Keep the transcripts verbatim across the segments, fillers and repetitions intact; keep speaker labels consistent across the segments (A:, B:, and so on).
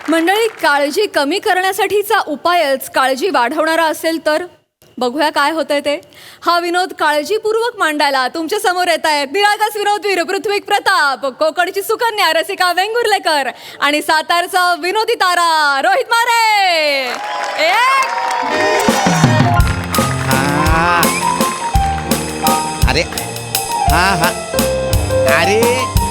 A: मंडळी, काळजी कमी करण्यासाठीचा उपायच काळजी वाढवणारा असेल तर बघूया काय होतंय ते. हा विनोद काळजीपूर्वक मांडायला तुमच्या समोर येत आहेत निरागस विनोदवीर पृथ्वी प्रताप, कोकणची सुकन्या रसिका वेंगुर्लेकर आणि सातारचा विनोदी तारा रोहित मारे. एक
B: हाँ अरे हाँ हाँ अरे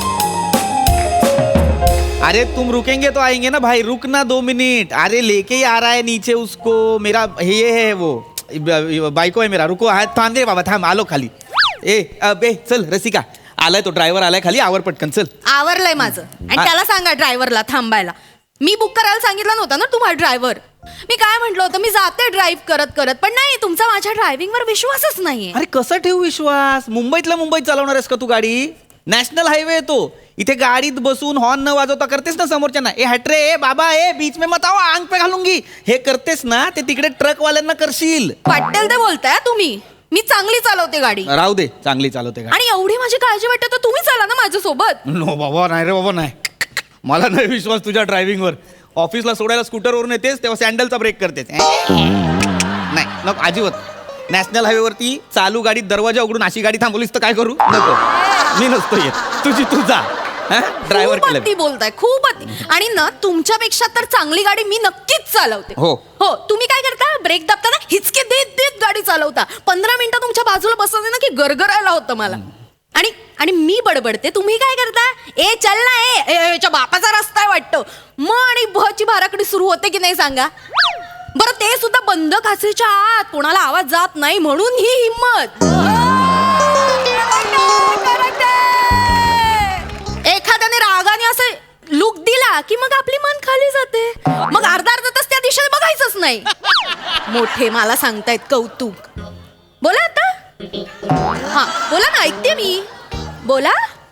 B: अरे तुम रुकेंगे तो आएंगे ना भाई, रुकना दो मिनट. अरे लेके ही आ रहा है नीचे उसको, मेरा ये है वो बायको है मेरा. रुको हा थांब दे बाबा, थांब आलो खाली. ए अबे चल रसिका, आलाय तो ड्रायव्हर आलाय खाली, आवर पटकन चल.
C: आवरलंय माझं. आणि त्याला सांगा ड्रायव्हरला थांबायला. मी बुक करायला सांगितलं नव्हतं ना तुम्हाला ड्रायव्हर. मी काय म्हटलं होतं, मी जाते ड्राईव्ह करत करत, पण नाही, तुमचा माझ्या ड्रायव्हिंगवर विश्वासच नाहीये.
B: अरे कसं ठेवू विश्वास? मुंबईतल्या मुंबईत चालवणार आहेस का तू गाडी? नॅशनल हायवे आहे तो. इथे गाडीत बसून हॉर्न न वाजवता करतेस ना समोरच्यांना, ए हटरे ए बाबा ए बीच में मत आओ आंग पे घालूंगी, हे करतेस ना, ते तिकडे ट्रक वाल्यांना करशील.
C: वाटेल ते बोलताय तुम्ही. मी चांगली चालवते गाडी.
B: राहू दे, चांगली चालवते गाडी.
C: आणि एवढी माझी काळजी वाटते तर तुम्ही चाला ना माझ्यासोबत.
B: नो बाबा, नाही रे बाबा, नाही. मला नाही विश्वास तुझ्या ड्रायव्हिंगवर. ऑफिसला सोडायला स्कूटरवरून येतेस तेव्हा सँडलचा ब्रेक करतेस. नाही नको अजिबात. नॅशनल हायवेवरती चालू गाडीत दरवाजा उघडून अशी गाडी थांबवलीस तर काय करू? नको, मी नसतो येत, तुझी तू जा. ड्रायव्हर
C: खूप अति बोलताय, खूप अति. आणि ना तुमच्यापेक्षा तर चांगली गाडी मी नक्कीच चालवते.
B: हो
C: हो. तुम्ही काय करता, ब्रेक दाबताना हिचके देत देत गाडी चालवता. पंधरा मिनिटं तुमच्या बाजूला बसवले ना की गरगरायला होतं मला. आणि आणि मी बडबडते, तुम्ही काय करता, ए चल ना ए, याच्या बापाचा रस्ता आहे वाटतं. मग आणि भची भाराकडी सुरू होते की नाही सांगा बरं. ते सुद्धा बंद काचेच्या आत, कोणाला आवाज जात नाही म्हणून ही हिंमत. एखाद्याने रागाने असं लुक दिला की मग आपली मन खाली जाते. मग अर्धा अर्धा तास त्या दिशेने बघायचंच नाही. मोठे मला सांगतायत कौतुक. बोला आता. हा बोला ना, ऐकते मी. बोला.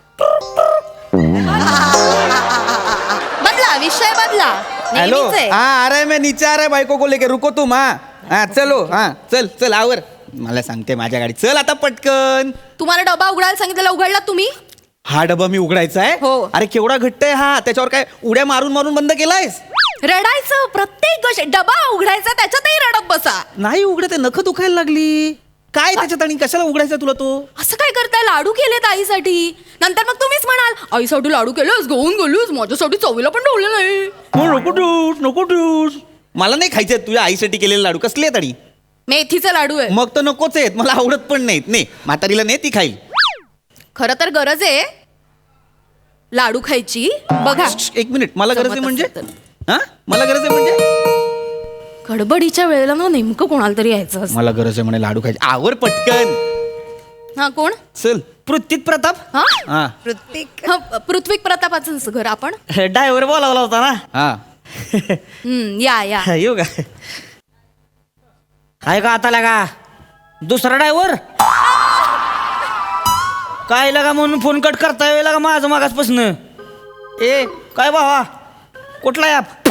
C: बदला विषय, बदला.
B: हेलो, हाँ आ रहा है, मैं नीचे आ रहा है बाइको को लेके. रुको तुम. हाँ हाँ चलो, हाँ चल चल आवर. मला सांगते माझ्या गाडी चल आता पटकन.
C: तुम्हाला डबा उघडायला सांगितलेला उघडला तुम्ही?
B: हा डबा मी उघडायचा आहे?
C: हो.
B: अरे केवढा घट्ट आहे हा, त्याच्यावर काय उड्या मारून मारून बंद केलायस?
C: रडायचं प्रत्येक गोष्ट. डबा उघडायचा त्याच्यातही रडत बसा.
B: नाही उघडत, नख दुखायला लागली. काय त्याच्यात आणि कशाला उघडायचा तुला तो?
C: असं काय करताय, लाडू केलेत आईसाठी. नंतर मग तुम्हीच म्हणाल आईसाठी लाडू केलंस, घेऊन गेलोस, माझ्यासाठी चवीला पण ठेवलं नाही.
B: नको ठेवूस, नको ठेवूस. मला नाही खायचे तुझ्या आईसाठी केलेले लाडू. कसले आहेत?
C: मेथीचा लाडू आहे.
B: मग तर नकोच आहेत, मला आवडत पण नाहीत. ने म्हातारीला ने, ती खाईल.
C: खरं तर गरज आहे लाडू खायची. बघा
B: एक मिनिट, मला गरज आहे
C: जमत
B: म्हणजे?
C: असेल
B: हा मला गरज आहे म्हणजे?
C: गडबडीच्या वेळेला ना नेमकं कोणाला तरी यायचं असतं.
B: मला गरज आहे म्हणे लाडू खायचे. आवर पटकन.
C: हा कोण?
B: चल. पृथ्वी प्रताप.
C: हा
B: हा
C: पृथ्वीक. हा पृथ्वी प्रतापाचं घर. आपण
D: ड्रायव्हर बोलावला होता ना.
B: हा
C: हम्म, या या
D: येऊ का? आहे का आता लागा दुसरा ड्रायव्हर? काय लागा म्हणून फोन कट करता येईल लागा माझं मागासपासून. ए काय भावा, कुठला ॲप?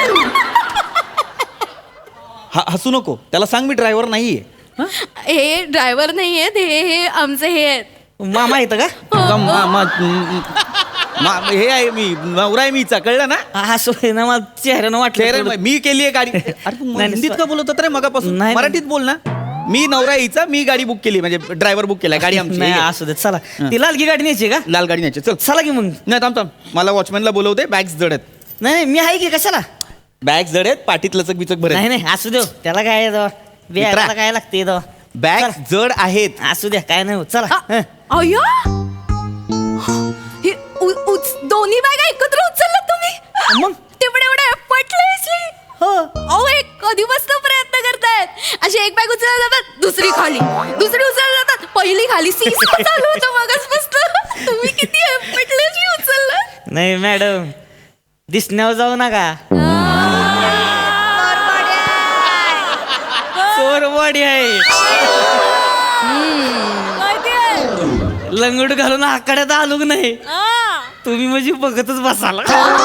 B: हा हसू नको, त्याला सांग मी ड्रायव्हर नाहीये.
C: हे ड्रायव्हर नाही आहेत, हे हे आमचे हे आहेत.
D: मामा येतं का?
B: का मा- मा- मा- हे आहे मी, नवरा आहे मीचा, कळलं ना?
D: असं आहे ना, मला चेहऱ्यानं
B: चेहरे
D: वाटलं.
B: मी केली आहे गाडी. अरे तू
D: नाही,
B: हिंदीत
D: नाही,
B: का बोलत होता रे मगापासून?
D: नाही,
B: मराठीत बोल ना. मी नवरा यायचा, मी गाडी बुक केली, म्हणजे ड्रायव्हर बुक केलाय. गाडी आमची
D: नाही
B: आहे.
D: असू देत, चला. ती लालगी गाडी न्यायची का?
B: लाल गाडी न्यायची. चल
D: चला की मग.
B: नाही थांब थांब, मला वॉचमॅनला बोलवते. बॅग्स जड आहेत.
D: नाही नाही, मी आहे की कशाला?
B: बॅग जड आहेत, पाठीत लचक बिचक भरेल.
D: नाही नाही, असू देव, त्याला काय येतं, बियाला काय लागते येतं.
B: बॅग जड आहेत.
D: असू द्या, काय नाही होत, चला. हं.
C: अय्या, हे उ- उच- दोन्ही बॅगा एकत्र उचलला तुम्ही?
D: मग?
C: तेवढे एवढे पटले.
D: हो.
C: अहो एक कधीपासून प्रयत्न करतायत. अशी एक बॅग उचलायला जातात, दुसरी खाली, दुसरी उचलायला जातात, पहिली खाली. सीस चालू होतं मगासपासून. तुम्ही किती पटले उचललं?
D: नाही मॅडम, दिसण्यावर जाऊ नका. चोरवाडी आहे. लंगोट घालून आकड्यात आलो नाही तुम्ही, म्हणजे बघतच बसाला.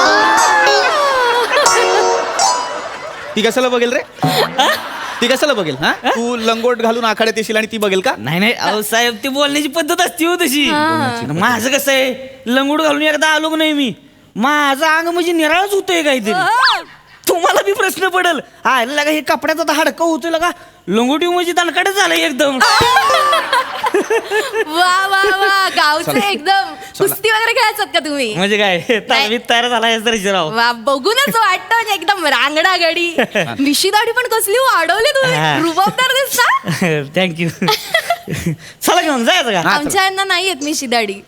B: ती कशाला बघेल रे? ती कशाला बघेल? हा तू लंगोट घालून आखाड्यात येशील आणि ती बघेल का?
D: नाही नाही, अहो साहेब, ती बोलण्याची पद्धत असते हो तशी. माझं कसं आहे, लंगोट घालून एकदा आलो नाही मी, माझं अंग म्हणजे निराळच होतंय काहीतरी. तुम्हाला बी प्रश्न पडेल हा लगा हे कपड्याचा तर हाडकं होतं लगा लंगोटी म्हणजे दणकडे झालं एकदम
C: वा वा वा गावचे एकदम कुस्ती वगैरे खेळायचात का तुम्ही
D: म्हणजे काय तालमीत तयार झाला राव
C: वा बघूनच वाटतं म्हणजे एकदम रांगडा गडी मिशी दाढी पण कसली वाढवली
D: हा.
C: तुम्ही रुबाबदार दिसता
D: थँक्यू चला घेऊन जायचं का
C: आमच्या यांना नाही येत मिशी दाढी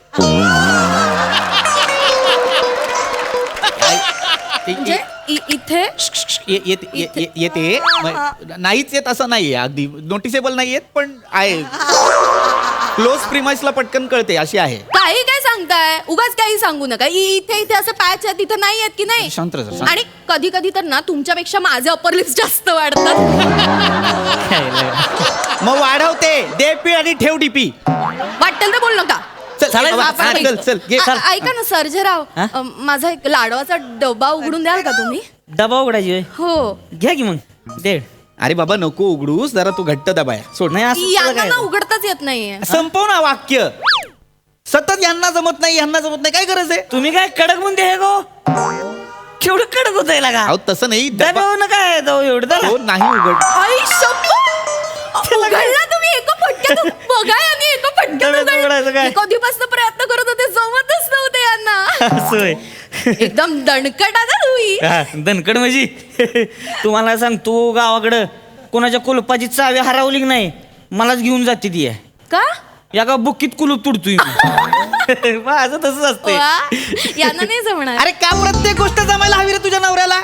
C: म्हणजे इ- इथे
B: ये- येते ये- ये- येते म- नाहीच येत असं नाहीये अगदी नोटिसेबल नाही येत पण आहे क्लोज प्रिमाइसला पटकन कळते अशी आहे.
C: काही काय सांगताय उगाच काही सांगू नका इ- इथे इथे असं पॅच आहे तिथे नाही येत की नाही
B: शांत राहा, शांत.
C: आणि कधी कधी तर ना तुमच्यापेक्षा माझे अपर लिप्स जास्त वाढतात
B: मग वाढवते दे पी आणि ठेव डीपी.
C: वाटेल तर बोल नका
B: चल
D: चालेल,
B: बाबा,
C: आपण
B: चल
C: निघतो.
B: चल घे.
C: आ- ऐका ना सर्जेराव
D: हा?
C: अ, माझा एक लाडवाचा डबा उघडून द्याल का तुम्ही
D: डबा उघडायची होय.
C: हो
D: घ्या की मग दे
B: अरे बाबा नको उघडूस जरा तू घट्ट दबाय सोड.
D: नाही असं त्याला
C: यांना
D: काय
C: ना उघडताच येत नाहीये
B: संपव ना वाक्य. सतत यांना जमत नाही यांना जमत नाही काय गरज आहे.
D: तुम्ही काय कडक म्हणते हे गो केवढं कडक होत आहे का
B: अहो तसं नाही डबा-
D: डबा ना काय जाऊ एवढं त्याला.
B: हो नाही उघड.
C: आई शप्पथ! उघडला तुम्ही एका फटक्यात बघा यांनी एका फटक्यात
D: डब्यात
C: उघडलं.
D: उघडायचं काय?
C: मी कधीपासून प्रयत्न करत होते जमतच नव्हते यांना
D: असं होय.
C: एकदम दणकट आता तुम्ही
D: हा, दणकड म्हणजे तुम्हाला सांगतो गावाकडं कोणाच्या कुलपाची चावी हरवली की नाही मलाच घेऊन जाते ती आहे.
C: का
D: या का बुक्कीत कुलूप तुडतोय मी. माझं तसंच असतंय
C: वा, यांना नाही जमणार
B: अरे का प्रत्येक गोष्ट जमायला हवी रे तुझ्या नवऱ्याला.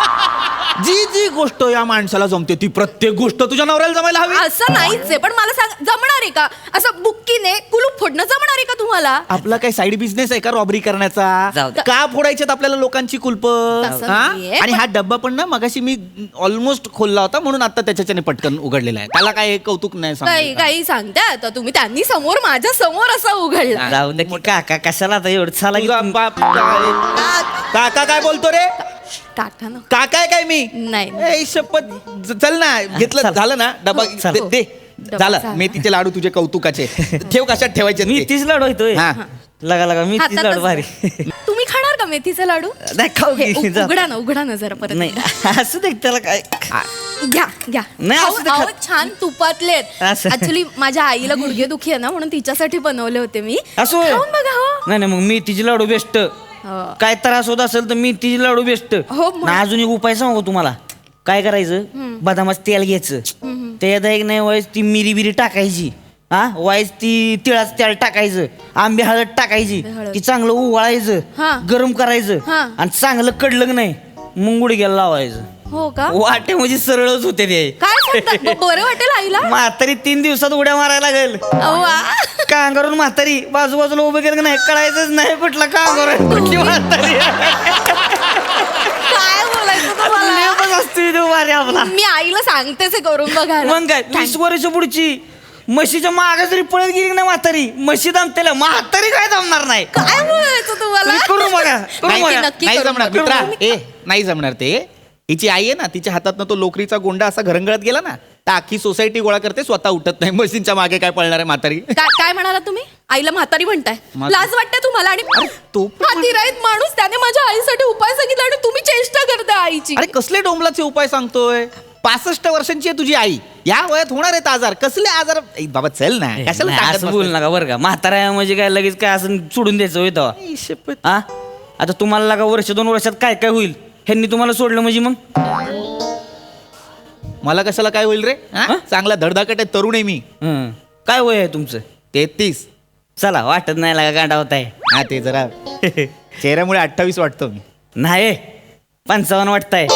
B: जी जी गोष्ट या माणसाला जमते ती प्रत्येक गोष्ट तुझ्या नवऱ्याला जमायला हवी.
C: असं नाहीच आहे पण मला सांग जमणार आहे का असं बुक्कीने कुलूप फोडणं जमणार आहे का तुम्हाला
B: आपला काही साईड बिझनेस आहे का रॉबरी करण्याचा.
D: जाऊ दे.
B: का फोडायच्यात आपल्याला लोकांची कुलप.
C: तसं नाहीये,
B: आणि
C: पण-
B: हा डब्बा पण ना मगाशी मी ऑलमोस्ट खोलला होता म्हणून आता त्याच्याने पटकन उघडलेला आहे. त्याला काय कौतुक नाही
C: काही
B: सांगायचं.
C: काही सांगताय आता तुम्ही त्यांनी समोर माझ्या समोर असा उघडला
D: जाऊ दे की काका कशाला आता एवढं चाला की
B: तुझा
D: तुम-
B: बाप काय- काका काय बोलतो रे.
C: टाका ना
B: काका आहे काय मी.
C: नाही, नाही.
B: ए, शपथ ज- चल ना घेतलं
D: चल.
B: झालं ना डबा
D: चल.
B: दे- दे
C: डबा
B: झालं
C: झाला.
B: मेथीचे लाडू तुझे कौतुकाचे ठेव कशात ठेवायचे
D: मी
B: ते.
D: तीच लाडू होतोय
B: हा.
D: लगा लगा मी तीच
C: हातातच-
D: लाडू भारी
C: तुम्ही खाणार का मेथीचे लाडू
D: नाही खाऊ
C: हे,
D: की,
C: उ-
D: जा.
C: उघडा ना उघडा ना जरा परत
D: नाही असं देख त्याला काय
C: घ्या घ्या
D: नाही,
C: अहो,
D: असं ते
C: अहो,
D: खा-
C: छान तुपातलेत
D: असं.
C: ऍक्च्युली माझ्या आईला गुडघे दुखी आहे ना म्हणून तिच्यासाठी बनवले होते मी
D: असं होय?
C: खाऊन बघा हो
D: नाही नाही मग मी तिची लाडू बेस्ट
C: हो.
D: काय त्रास होत असेल तर मी तिची लाडू बेस्ट
C: हो, मग.
D: ना अजून एक उपाय सांगू तुम्हाला काय करायचं बदामाचं तेल घ्यायचं त्याच्यात एक नाही वाईस ती मिरी बिरी टाकायची हा वाईस ती तिळाचं तेल टाकायचं आंबे हळद टाकायची
C: हळद.
D: ती चांगलं उवाळायचं
C: हा.
D: गरम करायचं
C: हा.
D: आणि चांगलं कडलं की नाही मग गुडघ्याला लावायचं
C: हो का
D: वाटे म्हणजे सरळच होते ते
C: काय सांगता ब- बरं वाटेल आईला
D: म्हातारी तीन दिवसात उड्या मारायला लागेल
C: वा.
D: कांगारून म्हातारी बाजूबाजूला उभे केलं की नाही कळायचंच नाही कुठला कांगार आहे, कुठली म्हातारी
C: काय बोलायचं तुम्हाला
D: लेपच असतो तो भारी आपला
C: मी आईला सांगतेच हे करून बघायला
D: मग काय वीस वर्ष पुढची म्हशीच्या मागे जरी पळत गेली की नाही म्हातारी म्हशी दमतेला म्हातारी काय दमणार नाही
C: काय बोलायचं तुम्हाला
D: तुम्ही करू बघा करू
B: नाही
C: नक्की,
D: बघा
C: नक्की
B: नाही
C: करून
B: जमणार
C: बघू.
B: मित्रा ए नाही जमणार ते. हिची आई आहे ना तिच्या हातातनं तो लोकरीचा गोंडा असा घरंगळत गेला ना तर अख्खी सोसायटी गोळा करते स्वतः उठत नाही मशीनच्या मागे काय पळणार आहे म्हातारी.
C: काय काय म्हणाला तुम्ही आईला म्हातारी म्हणताय
B: म्हा-
C: लाज वाटते तुम्हाला आणि
B: तो पण-
C: हा तिराईत माणूस त्याने माझ्या आईसाठी उपाय सांगितला आणि तुम्ही चेष्टा करताय आईची
B: अरे कसले डोंबलाचे उपाय सांगतोय. पासष्ट वर्षांची आहे तुझी आई या वयात होणार आहेत आजार कसले आजार. ए, बाबा चल ना कशाला
D: नाही,
B: टाकत
D: असं बोल
B: बसलाय?
D: नका बरं का म्हातारा म्हणजे काय लगेच काय असं सोडून द्यायचं होय तेव्हा
B: आई, शपथ.
D: हा आता तुम्हाला लागा वर्ष दोन वर्षात काय काय होईल ह्यांनी तुम्हाला सोडलं म्हणजे मग
B: मला कशाला काय होईल रे हा?
D: हा?
B: चांगला धडधाकट आहे तरुण आहे मी.
D: हं. काय वय आहे तुमचं
B: तेहतीस.
D: चला वाटत नाही लागा गांडा होत आहे
B: हा ते जरा चेहऱ्यामुळे अठ्ठावीस वाटतो मी.
D: नाही पंचावन्न वाटताय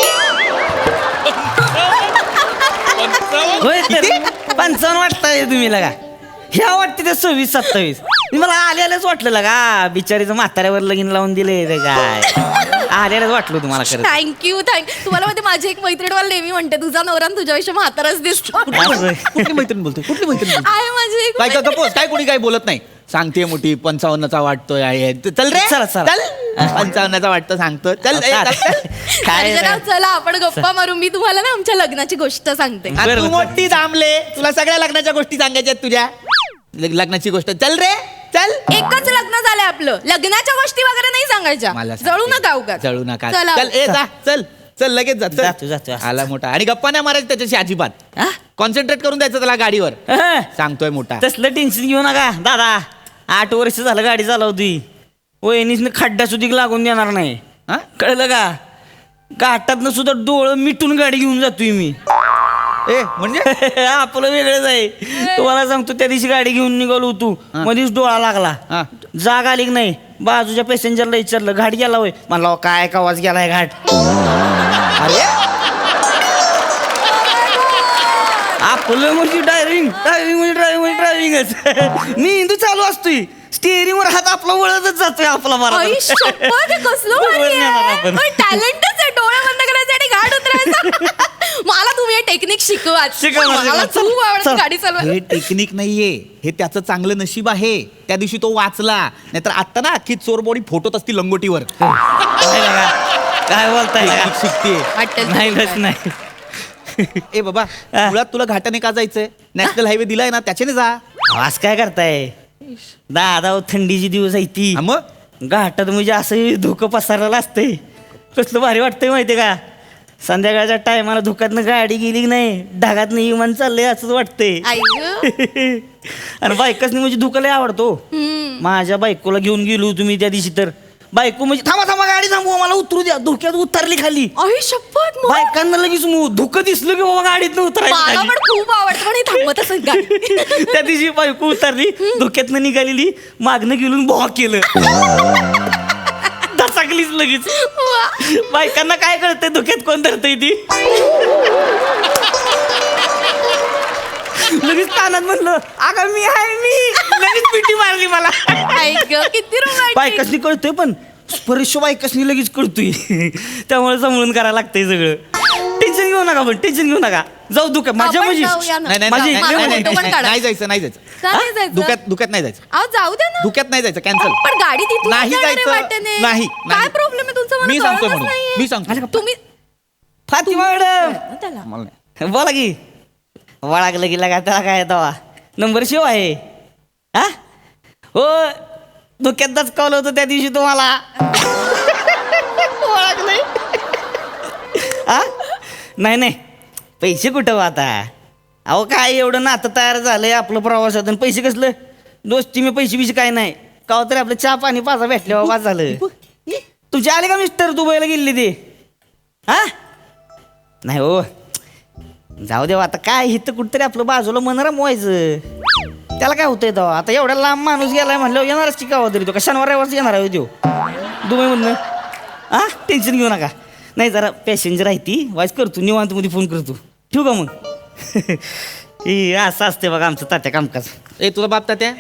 D: होय तर पंचावन्न वाटताय तुम्ही लगा ह्या वाटते ते सव्वीस सत्तावीस मला आल्यालाच वाटलं लगा बिचारीचं म्हाताऱ्यावर लगीन लावून दिले रे काय आल्यालाच वाटलं तुम्हाला खरं
C: थँक्यू थँक्यू तुम्हाला माहिती माझी एक मैत्रीण मला नेहमी म्हणते तुझा नवरा आणि तुझ्यापेक्षा म्हाताराच दिसतो
D: असं.
B: कुठली मैत्रीण बोलतोय कुठली मैत्रीण बोलतोय?
C: आहे माझी एक
B: काय
C: मैत्रीण.
B: गपोस काय कोणी काय बोलत नाही सांगते मोठी पंचावन्नचा वाटतोय आहे ते- चल रे
D: चला, चला.
B: चल पंचावन्नचा वाटतं सांगतो चल ए, चल, चल.
D: काय
C: सर्जेराव, चला आपण गप्पा मारू मी तुम्हाला ना आमच्या लग्नाची गोष्ट सांगते
B: हा,
D: बरं,
B: तू
D: बरं.
B: मोठी दामले तुला सगळ्या लग्नाच्या गोष्टी सांगायच्या आहेत तुझ्या लग- लग्नाची गोष्ट चल रे चल.
C: एकच लग्न झालंय आपलं लग्नाच्या गोष्टी वगैरे नाही सांगायच्या
B: मला
C: जळू
B: सांगते.
C: नका उगाच
B: जळू नका
C: चला
B: चल ए जा चल चल लगेच जा चल.
D: जातो, जातो.
B: आला मोठा आणि गप्पा नाही मारायचं त्याच्याशी अजिबात.
D: हा?
B: कॉन्सन्ट्रेट करून द्यायचं त्याला गाडीवर.
D: अहं.
B: सांगतोय मोठा.
D: तसलं टेन्शन घेऊ नका दादा. आठ वर्ष झालं गाडी चालवती. वहिनीसनं खड्डा सुद्धा लागून देणार नाही.
B: हा?
D: कळलं का? घाटातनं सुद्धा डोळं मिटून गाडी घेऊन जातोय मी.
B: ए म्हणजे
D: आपलं वेगळंच आहे. तुम्हाला सांगतो त्या दिवशी गाडी घेऊन निघालो होतो. मध्येच डोळा लागला.
B: हा.
D: जाग आली की नाही. बाजूच्या पॅसेंजरला विचारलं घाट गेला होय. म्हणला काय कावाच गेलाय घाट. अरे आपलं म्हणजे ड्रायव्हिंग ड्रायव्हिंग म्हणजे ड्रायव्हिंग म्हणजे ड्रायव्हिंगच. मी हिंदू चालू असतोय. स्टेअरिंग वर हात आपला वळतच जातोय आपला
A: आई शपथ, हे कसलं भारी आहे. टॅलेंटच आहे डोळे बंद करायचे आणि घाट उतरायचं.
C: मला तुम्ही हे टेक्निक शिकवा.
D: शिकवा,
C: मला
D: शिकवा.
C: खूप आवडतं
D: चल.
C: गाडी चालवायला.
B: हे टेक्निक नाहीये, हे त्याचं चांगलं नशीब आहे. त्या दिवशी तो वाचला, नाहीतर आता ना अख्खी चोरबोडी फोटोत असती लंगोटीवर.
D: काय लगा? काय बोलताय लगा?
B: टेक्निक शिकते.
C: वाटेल
D: नाही
C: तुम्ही
D: बस
C: काय.
D: नाही.
B: ए बाबा, मुळात तुला घाटाने का जायचंय? नॅशनल हायवे दिलाय ना, त्याच्याने जा.
D: आवाज काय करताय दादा? हो, थंडीची दिवस आहे ती.
B: हा मग
D: घाटात म्हणजे असं धुकं पसरलेलं असतंय. कसलं भारी वाटतंय माहितीये का? संध्याकाळच्या टायमाला धुक्यातनं गाडी गेली की नाही, ढगातनं इमान चाललंय असंच वाटतंय.
C: आई गं.
D: आणि बायकासनी म्हणजे धुकं लय आवडतो. माझ्या बायकोला घेऊन गेलो तुम्ही त्या दिवशी तर बायको म्हणजे थांबा थांबा गाडी थांबवा मला उतरू द्या. धुक्यात उतरली खाली.
C: आई शपथ, मग?
D: बायकांना लगेच मग धुकं दिसलं की बाबा गाडीतनं
C: मला
D: उतरायचं.
C: पण खूप आवडतं पण हे थांबत असत गाडी.
D: त्या दिवशी बायको उतरली, धुक्यातनं निघालेली, मागणं गेलून भॉ केलं. दचाकलीच लगेच. बायकांना काय कळतंय धुक्यात कोण धरतंय ती. लगेच कानात म्हणलं अगं मी आहे मी. लगेच पिटी मारली मला.
C: आई गं, किती रोमॅन्टिक.
D: बायकासनी कळतोय पण स्पर्श बायकासनी लगेच कळतोय. त्यामुळे समजून करायला लागतंय सगळं. टेन्शन घेऊ नका पण टेन्शन घेऊ नका. जाऊ धुक्यात माझ्या
C: आपण
D: म्हणजे
C: जाऊया ना.
B: नाही नाही,
D: माझी
B: नाही,
C: मला
B: नाही,
C: फोटो पण
B: नाही,
C: काढा.
B: नाही जायचं नाही जायचं.
A: का नाही जायचं?
B: धुक्यात धुक्यात नाही जायचं.
C: अहो जाऊ द्या ना.
B: धुक्यात नाही जायचं, कॅन्सल.
C: पण गाडी तिथून
B: नाही
C: जाणार आहे
B: जायचं.
C: वाटेने.
B: नाही,
C: काय
B: नाही.
C: प्रॉब्लेम आहे तुमचा? मला
B: मी सांगतो
C: कळतच
B: म्हणून
C: नाहीये.
B: मी सांगतो.
C: तुम्ही
D: फातिमा मॅडम
C: त्याला
B: मला नाही.
D: बोला की. वळागलं की लगा त्याला काय दवा नंबर शिव आहे. हा हो, धुक्यात दचकावलं होतं त्या दिवशी तुम्हाला. ओळखलंय. हा नाही नाही, पैसे कुठं हो आता? अहो काय एवढं नातं तयार झालंय आपलं प्रवासातून. पैसे कसलं दोस्ती मी पैसे बिशे काय नाही. का तरी आपलं चहा पाणी पाजा भेटल्या वाज झालं. तुमचे आले का मिस्टर दुबईला गेले ते? हा नाही हो, जाऊ देवा आता काय इथं कुठतरी आपलं बाजूला मन रमवायचं. त्याला काय होतंय तेव्हा? आता एवढा लांब माणूस गेलाय म्हणल्यावर येणारच की गावा तरी तो का शनिवार रविवारच येणार आहे तो दुबईमधनं. हा टेन्शन घेऊ नका. नाही जरा पॅसेंजर आहे ती वाईस करतो निवांत मध्ये फोन करतो. ठेवू का मग? हे असं असते बघा आमचं तात्या कामकाज.
B: ए तुझा बाप तात्या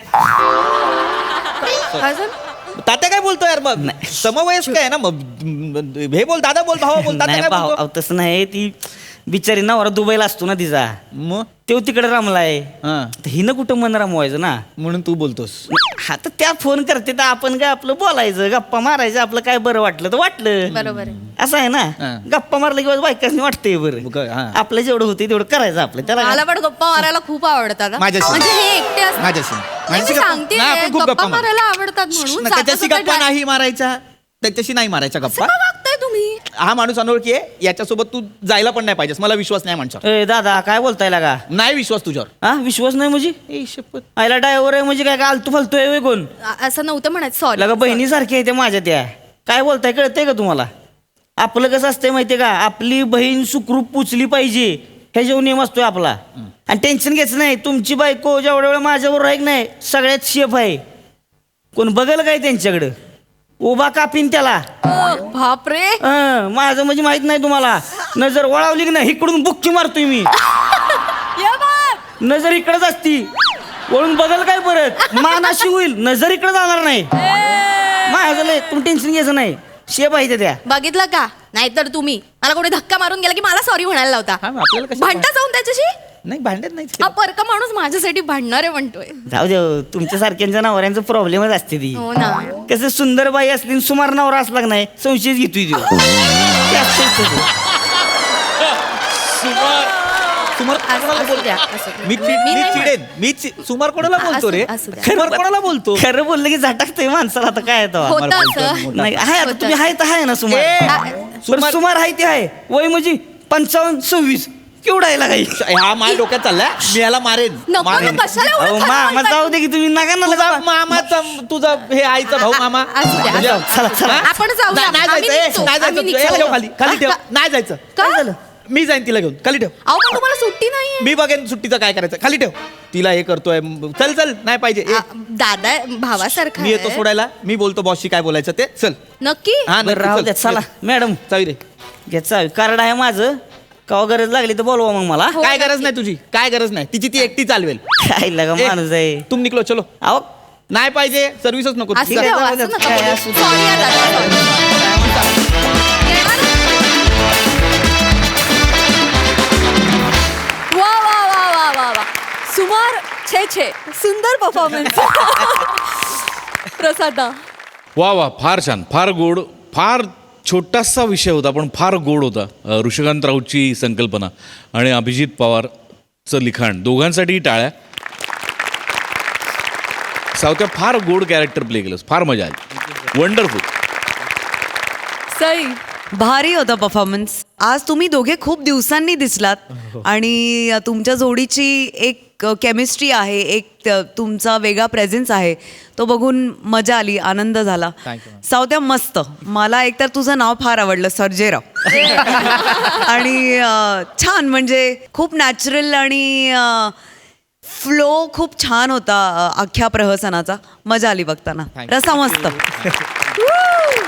C: अजून
B: तात्या काय बोलतो यार? मग
D: नाही.
B: समवयस्क आहे ना, मग हे बोल दादा बोल भावा बोल. तात्या
D: नाही
B: काय
D: भाऊ
B: बोलतो?
D: अहो, तसं नाही. ती बिचारी नवरा दुबईला असतो ना तिचा,
B: मग
D: तो तिकडे रमलाय.
B: हा,
D: तर हिनं कुठं मन रमवायचं ना.
B: म्हणून तू बोलतोस.
D: हा तर त्या फोन करते तर आपण काय आपलं बोलायचं गप्पा मारायचं. आपलं काय बरं वाटलं तर वाटलं.
C: बरोबर आहे.
D: असं आहे ना.
B: हा.
D: गप्पा मारलं किंवा बायकाच वाटतंय बरं.
B: मग काय, हा.
D: आपलं जेवढं होतं तेवढं करायचं आपलं. त्याला
C: मला
D: काय?
C: पण गप्पा मारायला खूप आवडतात हा.
B: माझ्याशी.
C: म्हणजे हे एकटे असतात.
B: माझ्याशी
C: नाही, मी
B: माझ्याशी गप्पा-
C: सांगते
B: नाही, आपण खूप
C: गप्पा
B: मारू.
C: मारायला आवडतात म्हणून
B: ना, त्याच्याशी
C: जाता
B: गप्पा
C: जाता
B: नाही मारायच्या, त्याच्याशी नाही मारायच्या
C: असं
B: गप्पा.
C: का वागताय तुम्ही?
B: हा माणूस अनोळखी आहे, याच्यासोबत तू जायला पण नाही पाहिजेस. मला विश्वास नाही माणसावर.
D: ए दादा काय बोलताय का?
B: नाही विश्वास तुझ्यावर.
D: हा विश्वास नाही म्हणजे?
B: ए शपथ.
D: आयला ड्रायव्हर आहे म्हणजे काय काय आलतू फालतू आहे कोण?
C: अ- असं नव्हतं म्हणायचं. सॉरी
D: लगा बहिणीसारखी आहे त्या माझ्या त्या. काय बोलताय कळतंय का तुम्हाला? आपलं कसं असतंय माहितीये का? आपली बहीण सुखरूप पुचली पाहिजे हे जेव्हा नियम असतोय आपला. आणि टेन्शन घ्यायचं नाही. तुमची बायको जेवढ्या वेळ माझ्यावर आहे की नाही सगळ्यात शेफ आहे. कोण बघल काय त्यांच्याकडं? उभा कापीन त्याला.
C: बापरे.
D: हं, माझं म्हणजे माहित नाही तुम्हाला. नजर वळावली की नाही इकडून बुक्की मारतोय मी.
C: या बाप.
D: नजर इकडेच असती. वळून बघल काय परत मान अशी होईल. नजर इकडे जाणार नाही. माझं लय तुम्ही टेन्शन घ्यायचं नाही. शेप आहे त्या.
C: बघितलं का? नाहीतर तुम्ही मला कोणी धक्का मारून गेला की मला सॉरी म्हणायला लावता.
B: हा, मग आपल्याला कशाला-
C: भांडता जाऊन त्याच्याशी.
B: नाही भांडत नाही.
C: हा परका माणूस माझ्यासाठी भांडणार आहे म्हणतोय.
D: जाऊ दे तुमच्या सारख्यांच्या नवऱ्यांचा प्रॉब्लेमच असते ती.
C: हो ना.
D: कसं सुंदर बाई असली आणि सुमार नवरा असला की नाही संशयच घेतोय तो. ते असतंच तसं.
B: सुमार कोणाला
C: असू
B: बोलतो?
C: द्या, असू द्या.
B: मी चि-
C: मी
B: मी
C: नाही
B: चिडेन मी चि- सुमार कोणाला बोलतो रे
C: असू- असू द्या.
B: सुमार कोणाला बोलतो
D: खरं बोललं की झटाकतंय माणसाला आता काय येतं
A: होतं असं
D: नाही आहे आता
C: होतं.
D: तुम्ही आहे तर आहे ना सुमार
B: ए,
D: बरं,
B: सुमार-
D: सुमार आहे ते आहे वय म्हणजे पंचावन्न सव्वीस केवढा आहे लागाई
B: हा माझ्या डोक्यात चाललाय मी याला मारेन
C: नको
B: मारेन.
C: ना, कशाला एवढं
D: अहो
C: खरं
D: मामा
C: बोलताय?
D: जाऊ दे की तुम्ही नका ना
B: तुझा
D: लगा
B: मामाचा तुझा हे आईचा भाऊ मामा
C: असू द्या,
B: म्हणजे-
C: असू द्या.
D: चला चला
B: हा?
C: आपण जाऊया.
B: नाही- नाही
C: आम्ही
B: जायचं, ए,
C: निघतो.
B: नाही जायचं
C: आम्ही
B: तू. ए,
C: निघतो.
B: ठेव खाली खाली ठेव
C: का?
B: नाही जायचं
C: काय झालं?
B: मी जाईन तिला घेऊन खाली ठेव
C: अहो पण तुम्हाला सुट्टी नाहीये
B: मी बघेन सुट्टीचं काय करायचं खाली ठेव तिला हे करतोय चल चल नाही पाहिजे ए,
C: आ, दादा भावासारखा
B: मी येतो
C: आहे.
B: सोडायला मी बोलतो बॉसशी काय बोलायचं ते चल
C: नक्की
B: हा
D: बरं राहू द्या चला मॅडम
B: चावी रे
D: घ्या चावी कार्ड आहे माझं कवा गरज लागली तर बोलवा मग मला
C: हो,
B: काय
C: नक्की.
B: गरज नाही तुझी काय गरज नाही तिची ती एकटी चालवेल
D: काय लगा
B: ए,
D: माणूस आहे
B: तुम निकलो चलो
D: अहो
B: नाही पाहिजे सर्व्हिसच नको
C: असू
B: चल.
C: द्या,
D: जाऊ
C: असं
D: द्या,
C: नका
D: काय
C: बोलू.
D: असू द्या.
C: Sorry आहे दादा, sorry. येणार?
A: वा वा वा वा वा वा सुमार छे छे सुंदर परफॉर्मन्स प्रसादा
E: वा वा फार छान फार गोड फार छोटासा विषय होता पण फार गोड होता अ, ऋषिकांत राऊतची संकल्पना आणि अभिजित पवारचं लिखाण दोघांसाठीही टाळ्या सावत्या फार गोड कॅरेक्टर प्ले केलंस फार मजा आली वंडरफुल
A: सई
F: भारी होता परफॉर्मन्स आज तुम्ही दोघे खूप दिवसांनी दिसलात आणि तुमच्या जोडीची एक केमिस्ट्री आहे एक त- तुमचा वेगळा प्रेझेन्स आहे तो बघून मजा आली आनंद झाला सावत्या मस्त मला एकतर तुझं नाव फार आवडलं सर्जेराव आणि अं, छान म्हणजे खूप नॅचरल आणि फ्लो खूप छान होता अं, अख्ख्या प्रहसनाचा मजा आली बघताना रसा मस्त